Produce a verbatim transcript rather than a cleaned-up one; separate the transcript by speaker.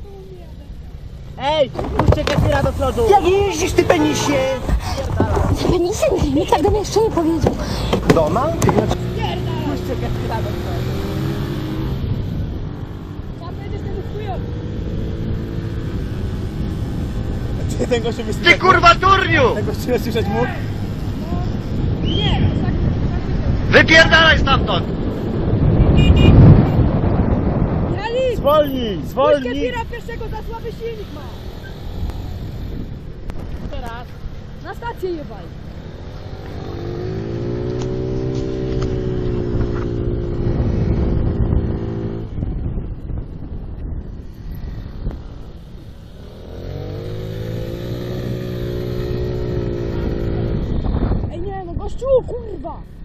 Speaker 1: Ej, puśćcie Kefira do przodu!
Speaker 2: Jak jeździsz, ty penisie?
Speaker 3: Penisie? Nikt tak do mnie jeszcze nie powiedział.
Speaker 2: Donald? Ty znaczy...
Speaker 1: Puśćcie Kefira do przodu!
Speaker 4: Ty ten gościu by
Speaker 2: Ty kurwa turniu!
Speaker 4: Ten gościu słyszeć mógł?
Speaker 2: Wypierdalaj stamtąd!
Speaker 4: Zwolnij, zwolnij!
Speaker 5: Kefira pierwszego za słaby silnik ma.
Speaker 1: Teraz!
Speaker 5: Na stację jebaj. Ej nie no gościu, kurwa!